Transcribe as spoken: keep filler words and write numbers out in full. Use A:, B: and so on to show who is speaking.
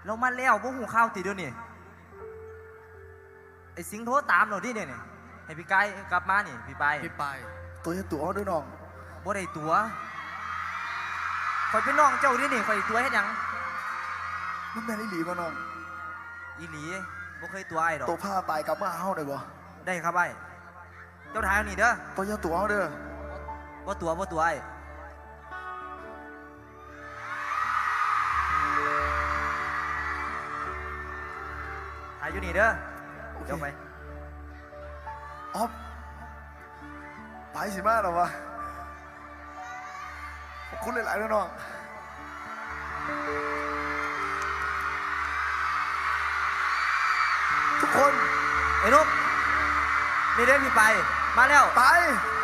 A: เรามาแล้วบ่หูข้าวติดเดี๋ยวนี้ไอ้สิงโทรตามเราดิเนี่ยนี่ให้พี่ไก่กลับมานี่พี่ไป
B: พี่ไป
C: ตัวจะตัวด้วยน้อง
A: บ่ได้ตัวคอยเป็นน้องเจ้าดินี่คอยตัวเฮ็ดหยัง
C: มันแม่นอีหลีบ่น้อง
A: อีหลีบ่เคยตัวไอ้ดอก
C: ตัวผ้าไปกลับมาเฮาได้บ่
A: ได้ครับไอ้เจ้าทายเอานี่เด้อ
C: ตัวจะตัวเด้อ
A: บ่ตัวบ่ตัวไอ้ถ่ายอยู่นี่เด้อเดี๋ยวไป
C: อ๊อฟไปสิมาหรอวะขอบคุณหลายๆด้วยน้องทุกคน
A: ไอ้นุ๊กนี่เด้อพี่ไปมาแล้ว
C: ไป